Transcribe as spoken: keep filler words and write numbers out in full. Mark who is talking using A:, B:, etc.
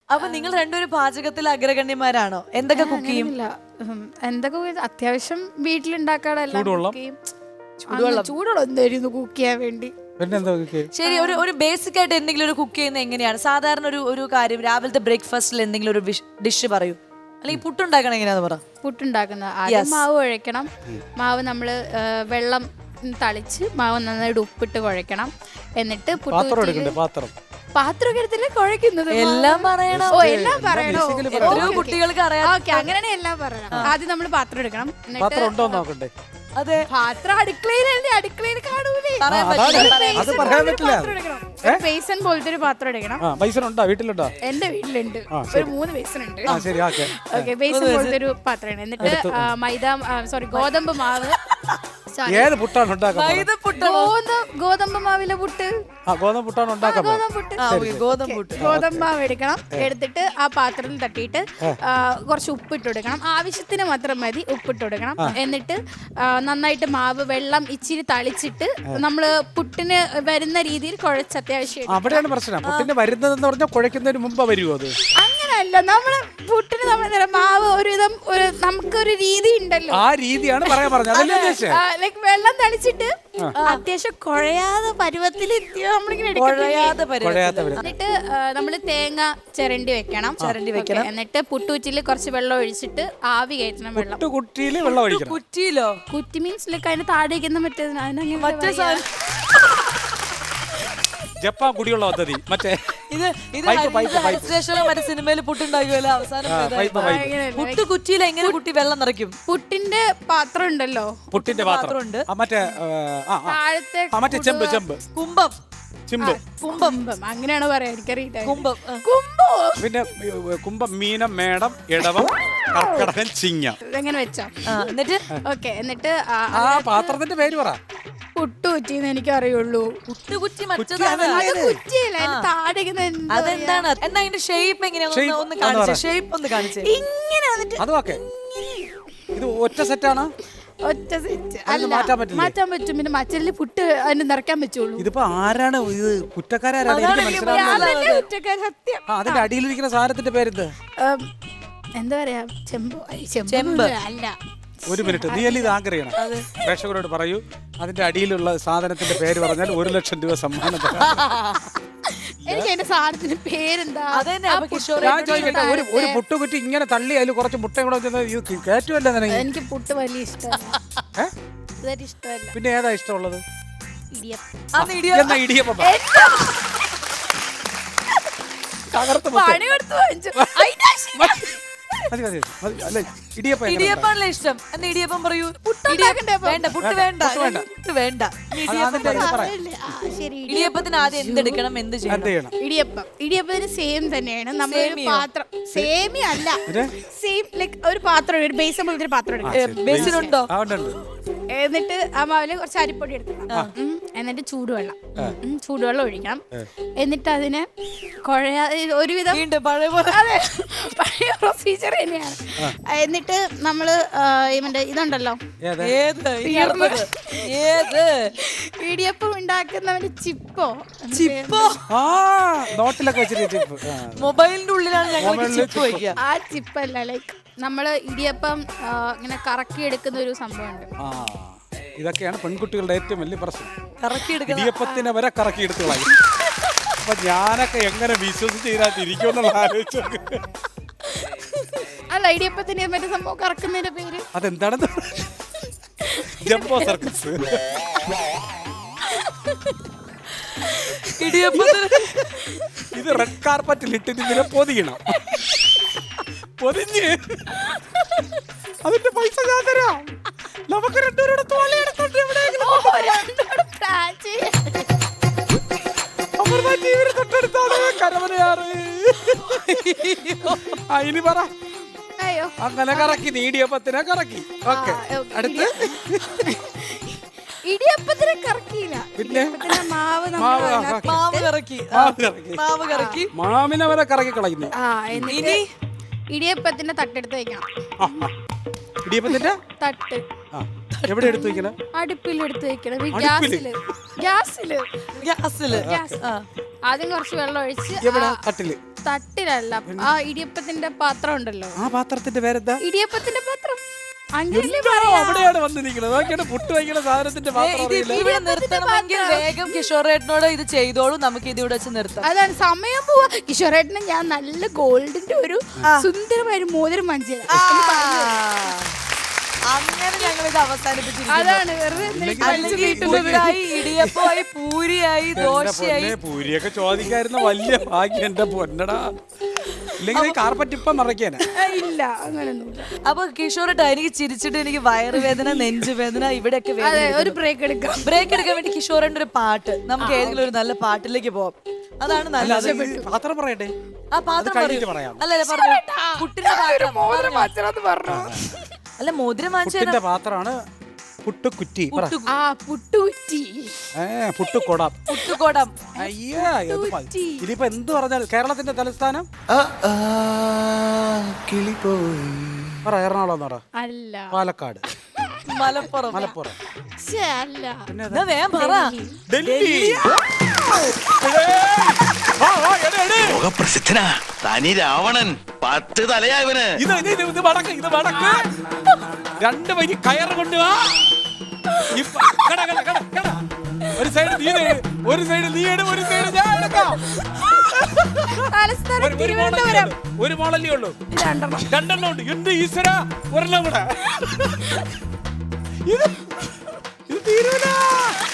A: അപ്പൊ നിങ്ങൾ രണ്ടുപേരും പാചകത്തിൽ അഗ്രഗണ്യന്മാരാണോ? എന്തൊക്കെ കുക്ക് ചെയ്യും?
B: എന്തൊക്കെ അത്യാവശ്യം വീട്ടിലുണ്ടാക്കാടെല്ലാം
A: ചൂടുവെള്ളം
B: ചൂടുവെള്ളം എന്തായിരുന്നു കുക്ക് ചെയ്യാൻ വേണ്ടി.
A: ശരി, ഒരു ഒരു ബേസിക് ആയിട്ട് എന്തെങ്കിലും ഒരു കുക്ക് ചെയ്യുന്നത് എങ്ങനെയാണ്? സാധാരണ ഒരു ഒരു കാര്യം രാവിലത്തെ ബ്രേക്ക്ഫാസ്റ്റിൽ എന്തെങ്കിലും ഒരു ഡിഷ് പറയൂ, അല്ലെങ്കിൽ പുട്ടുണ്ടാക്കണം എങ്ങനെയാന്ന് പറ.
B: പുട്ടുണ്ടാക്കുന്ന ആദ്യം മാവ് കുഴക്കണം. മാവ് നമ്മള് വെള്ളം തളിച്ച് മാവ് നന്നായിട്ട് ഉപ്പിട്ട് കുഴക്കണം. എന്നിട്ട് പാത്രം എടുത്തില്ല കുഴക്കുന്നത്.
A: എല്ലാം പറയണം.
B: ഓ എല്ലാം പറയണോ?
A: കുട്ടികൾക്ക് അറിയാം.
B: ഓക്കെ, അങ്ങനെയാണെങ്കിൽ എല്ലാം പറയണം. ആദ്യം നമ്മൾ പാത്രം എടുക്കണം. എന്നിട്ട്
A: അതെ,
B: പാത്രം അടുക്കളയിലല്ലേ, അടുക്കളയിൽ കാണൂലേ. ബേസൻ പോലത്തെ ഒരു പാത്രം എടുക്കണം. എന്റെ വീട്ടിലുണ്ട് ഒരു മൂന്ന് ബേസൻ ഉണ്ട്. ഓക്കെ, ബേസൻ പോലത്തെ ഒരു പാത്രമാണ്. എന്നിട്ട് മൈദ സോറി ഗോതമ്പ് മാവ് ഗോതമ്പ് മാവിലെ പുട്ട് ഗോതമ്പ് മാവ് എടുക്കണം. എടുത്തിട്ട് ആ പാത്രത്തിൽ തട്ടിയിട്ട് കുറച്ച് ഉപ്പിട്ട് കൊടുക്കണം. ആവശ്യത്തിന് മാത്രം മതി ഉപ്പിട്ട് കൊടുക്കണം. എന്നിട്ട് നന്നായിട്ട് മാവ് വെള്ളം ഇച്ചിരി തളിച്ചിട്ട് നമ്മള് പുട്ടിന് വരുന്ന രീതിയിൽ കുഴച്ച് അത്യാവശ്യം.
C: അവിടെയാണ് പ്രശ്നം. പുട്ടിന് വരുന്നതെന്ന് പറഞ്ഞാൽ കുഴക്കുന്നതിന് മുമ്പ് വരുമോ അത്?
B: അങ്ങനല്ല, നമ്മള് പുട്ടിന് നമ്മള് മാവ് ഒരുവിധം ഒരു നമുക്കൊരു രീതി ഉണ്ടല്ലോ,
C: ആ രീതിയാണ് പറയാൻ പറഞ്ഞത്.
B: ലൈക് വെള്ളം തളിച്ചിട്ട് അത്യാവശ്യം കുഴയാതെ പരുവത്തിൽ നമ്മളിങ്ങനെ എന്നിട്ട് നമ്മള് തേങ്ങ ചിരണ്ടി വെക്കണം. ചിരണ്ടി വെക്കണം. എന്നിട്ട് പുട്ടുകുറ്റിയിൽ കുറച്ച് വെള്ളം ഒഴിച്ചിട്ട് ആവി കയറ്റണം. വെള്ളം
C: കുറ്റിയില് വെള്ളം ഒഴിക്കണം.
A: കുറ്റിയിലോ?
B: കുറ്റി മീൻസ് ലൈക്ക് അതിന് താഴേക്കുന്ന മറ്റേ
A: മറ്റേ
C: ജപ്പാൻ കുടിയുള്ള പദ്ധതി. മറ്റേ
A: ഇത് ഇത് സ്റ്റേഷനിലോ മറ്റേ സിനിമയിൽ പുട്ടുണ്ടാക്കുമല്ലോ അവസാനം. പുട്ട് കുറ്റിയിൽ എങ്ങനെ കുട്ടി വെള്ളം നിറയ്ക്കും?
B: പുട്ടിന്റെ പാത്രം ഉണ്ടല്ലോ,
C: പുട്ടിന്റെ പാത്രം ഉണ്ട്. മറ്റേ
B: താഴത്തെ
C: മറ്റേ ചെമ്പ് ചെമ്പ്
A: കുംഭം
C: ചിമ്പ്
B: കുംഭം അങ്ങനെയാണ് പറയാ, എനിക്കറിയില്ല.
A: കുംഭം
B: കുംഭം
C: പിന്നെ കുംഭം മീനം മേടം ഇടവം കർക്കടകൻ ചിങ്ങ
B: എങ്ങനെ വെച്ചോ. എന്നിട്ട് ഓക്കെ, എന്നിട്ട്
C: ആ പാത്രത്തിന്റെ പേര് പറ.
B: പുട്ടുകുറ്റിന്ന് എനിക്ക് അറിയുള്ളൂ.
A: പുട്ടുകുറ്റി
B: അതെന്താണ്?
A: എന്നാ അതിന്റെ ഷേപ്പ് എങ്ങനെയാ ഒന്ന് കാണിച്ചേ. ഷേപ്പ് ഒന്ന് കാണിച്ചേ.
B: ഇങ്ങനെ വന്നിട്ട്
C: ഇത് ഒറ്റ സെറ്റാണ്.
B: ഒറ്റ സെറ്റ് അല്ല, മാറ്റാൻ പറ്റും. പിന്നെ മറ്റല്ലേ പുട്ട് അതിന് നിറയ്ക്കാൻ പറ്റുള്ളൂ.
C: ഇതിപ്പോ ആരാണ് ഇത്? കുറ്റക്കാരാണ്.
B: സത്യം.
C: അതിന്റെ അടിയിലിരിക്കുന്ന സാധനത്തിന്റെ പേരെന്ത്?
B: എന്താ പറയാ, ചെമ്പ്.
A: ചെമ്പ്
B: അല്ല.
C: ഒരു മിനിറ്റ്, നീ അല്ലേ ഇത് ആഗ്രഹിക്കണം. പ്രേക്ഷകരോട് പറയൂ, അതിന്റെ അടിയിലുള്ള സാധനത്തിന്റെ പേര് പറഞ്ഞാൽ ഒരു ലക്ഷം രൂപ സമ്മാനം.
B: എനിക്ക് അതിന്റെ സാധനത്തിന്റെ പേരെന്താ?
C: ഞാൻ ചോദിക്കട്ടെ, ഒരു ഒരു പുട്ടുകുറ്റി ഇങ്ങനെ തള്ളി അതിൽ കുറച്ച് മുട്ട കൂടെ കയറ്റുമല്ലോ.
B: എനിക്ക് പുട്ട് വലിയ ഇഷ്ടമല്ല. ഇഷ്ടമല്ല.
C: പിന്നെ ഏതാ ഇഷ്ടമുള്ളത്?
B: ഇടിയപ്പം.
C: ഇടിയപ്പം
A: ഇടിയപ്പാണല്ലേ ഇഷ്ടം? എന്നാ ഇടിയപ്പം പറയൂ. വേണ്ട, പുട്ട് വേണ്ട, പുട്ട് വേണ്ട. ഇടിയപ്പത്തിന് ആദ്യം എന്തെടുക്കണം, എന്ത് ചെയ്യണം?
B: ഇടിയപ്പം ഇടിയപ്പത്തിന് സെയിം തന്നെയാണ്. നമ്മൾ പാത്രം സേമി അല്ല, സെയിം ലൈക്ക് ഒരു പാത്രം, ഒരു ബേസ് പോലത്തെ ഒരു പാത്രം എടുക്കണം.
A: ബേസിനുണ്ടോ?
B: എന്നിട്ട് ആ മാവില് കുറച്ച് അരിപ്പൊടി എടുക്കണം. എന്നിട്ട് ചൂടുവെള്ളം ചൂടുവെള്ളം ഒഴിക്കണം. എന്നിട്ട് അതിന് കുഴയാ ഒരുവിധം പഴയ പഴയ പ്രൊസീജിയർ തന്നെയാണ്. എന്നിട്ട് നമ്മള് ഇവന്റെ ഇതുണ്ടല്ലോ, ഇടിയപ്പം ഉണ്ടാക്കുന്നവന്റെ ചിപ്പോ
A: ചിപ്പോ
C: നോട്ടിലൊക്കെ
A: മൊബൈലിന്റെ ഉള്ളിലാണ്
B: ആ ചിപ്പല്ല, ലൈക്ക് നമ്മള് ഇടിയപ്പം ഇങ്ങനെ കറക്കി എടുക്കുന്ന ഒരു സംഭവമുണ്ട്.
C: ഇതൊക്കെയാണ് പെൺകുട്ടികളുടെ ഏറ്റവും വലിയ പ്രശ്നം.
A: കറക്കിയെടുക്കുന്ന
C: ഇടിയപ്പത്തിനെ വരെ കറക്കിയെടുത്ത് കളയും. അപ്പൊ ഞാനൊക്കെ എങ്ങനെ വിശ്വസിച്ച് ഇതിനകത്തിരിക്കുമെന്നുള്ള ആലോചിച്ചു.
B: അല്ല, ഇടിയപ്പത്തിന് മറ്റേ സംഭവം കറക്കുന്നതിന്റെ പേര്
C: അതെന്താണെന്ന്? Jumbo circus.
A: ഇടിയപ്പത്തിന്
C: ഇത് റെഡ് കാർപ്പറ്റിൽ ഇട്ടിട്ട് ഇതിനെ പൊതിയണം. പൊതിഞ്ഞ് അതിന്റെ പൈസ ഞാൻ തരാം. നമുക്ക് രണ്ടുപേരുടെ തോലയെടുത്തോണ്ട് കരവനയാറ്. ഇനി പറ. അങ്ങനെ കറക്കി, നീടിയപ്പത്തിനെ കറക്കി. ഓക്കെ, അടുത്ത്
B: ഇടിയപ്പത്തിനെ കറക്കിയില്ല.
C: പിന്നെ
B: മാവ്
A: മാവ് കറക്കി മാവ് കറക്കി
C: മാവിനെ വരെ കറക്കി കളയുന്നു.
B: ഇനി ഇടിയപ്പത്തിന്റെ തട്ടെടുത്ത് വെക്കണം.
C: ഇടിയപ്പത്തിന്റെ
B: തട്ട്
C: എവിടെ എടുത്ത് വെക്കണം?
B: അടുപ്പിൽ എടുത്ത് വെക്കണം. ഗ്യാസില് ഗ്യാസില്
A: ഗ്യാസില്
B: ആദ്യം കുറച്ച് വെള്ളം ഒഴിച്ച്
C: എവിടെ
B: ആ-
C: തട്ടില്
B: തട്ടിലല്ല ആ ഇടിയപ്പത്തിന്റെ പാത്രം ഉണ്ടല്ലോ
C: ആ പാത്രത്തിന്റെ പേരെന്താ
B: ഇടിയപ്പത്തിന്റെ പാത്രം അങ്ങനെയല്ലേ
C: എന്തോ
B: പറയാ.
C: അവിടെയാണ് വന്നിരിക്കുന്നത് നോക്കിയാണ് പുട്ട് വയ്ക്കുന്ന സാധനത്തിന്റെ
A: ഏ,
C: പാത്രം
A: ഇത്
C: അറിയില്ല
A: ഇവിടെ നിർത്തണമെങ്കിൽ വേഗം കിഷോറേട്ടനോട് ഇത് ചെയ്തോളൂ, നമുക്ക് ഇത് ഇവിടെ വെച്ച് നിർത്താം.
B: അതാണ് സമയം പോവാ. കിഷോറേട്ടന് ഞാൻ നല്ല ഗോൾഡിന്റെ ഒരു സുന്ദരമായ ഒരു മോതിരം വാങ്ങിച്ചു
A: അങ്ങനെ ഞങ്ങൾ ഇത് അവസാനിപ്പിച്ചിരിക്കുന്നു.
B: അതാണ് വെറുതെ എന്തിനാ
A: അല്ലെങ്കിൽ പുട്ടായി, ഇടിയപ്പമായി, പൂരിയായി,
C: എന്റെ
A: ദോശയായി.
C: പൊന്നെ, പൂരിയൊക്കെ ചോദിക്കായിരുന്ന വലിയ ഭാഗ്യം എന്റെ പൊന്നടാ. ഇല്ലെങ്കിൽ കാർപ്പറ്റ് ഇപ്പം മറയ്ക്കാനാ.
B: ഇല്ല അങ്ങനെയൊന്നുമില്ല.
A: അപ്പൊ കിഷോറേട്ടാ, എനിക്ക് ചിരിച്ചിട്ട് എനിക്ക് വയറുവേദന, നെഞ്ചുവേദന, ഇവിടെയൊക്കെ
B: അതെ
A: വേദന.
B: ഒരു ബ്രേക്ക് എടുക്കാം.
A: ബ്രേക്ക് എടുക്കാൻ വേണ്ടി കിഷോറിന്റെ ഒരു പാട്ട്, നമുക്ക് ഏതെങ്കിലും ഒരു നല്ല പാട്ടിലേക്ക് പോവാം. അതാണ്
C: അല്ല,
A: നല്ലത്.
C: അത് ഈ പാത്രം പറയട്ടെ.
A: ആ പാത്രം
C: കഴിഞ്ഞിട്ട്
A: പറയൂ.
C: പറയാം.
A: അല്ലല്ല പറഞ്ഞു പുട്ടിന്റെ പാത്രം
B: മോതിരം
A: പറഞ്ഞോ.
B: വാങ്ങിച്ചതാന്ന് പറഞ്ഞു.
A: അല്ല മോതിരം വാങ്ങിച്ചു
C: പുട്ടിന്റെ പാത്രമാണ് പുട്ടുകുറ്റി. പറ.
B: ആ പുട്ടുകുറ്റി.
C: ഏ പുട്ടുകൊടം.
A: പുട്ടുകോടം.
C: അയ്യാ ഇത് മ- ഇതിപ്പോ എന്ത് പറഞ്ഞാൽ കേരളത്തിന്റെ തലസ്ഥാനം പറ. എറണാകുളം എന്ന് പറ.
B: അല്ല
C: പാലക്കാട്.
A: മലപ്പുറം.
C: മലപ്പുറം.
B: ശ്ശേ, അല്ല
A: എന്നാ വേഗം പറ.
C: ഡൽഹി.
D: ലോകപ്രസിദ്ധനാ തനി രാവണൻ. പത്ത് തലയാ ഇവന്.
C: ഇത് ഇത് ഇത് ഇത് വടക്ക് ഇത് വടക്ക്. രണ്ട് വരി കയറ് കൊണ്ടുവാ. ഇപ്പ- കട, കട, കട, കട. ഒരു സൈഡ് നീ എടു, ഒരു സൈഡ് നീ എടു, ഒരു സൈഡ് ഞാൻ എടുക്കാം.
B: തലസ്ഥാനം
C: ഒരു- ഒരു മോളല്ലേ
B: തിരുവനന്തപുരം.
C: ഉള്ളൂ. ഒരു മോളല്ലേ ഉള്ളൂ.
B: രണ്ടെണ്ണം.
C: രണ്ടെണ്ണം ഉണ്ട്. എന്ത് ഈശ്വര ഒരെണ്ണം കൂടെ. ഇത് ഇത് തീരൂല.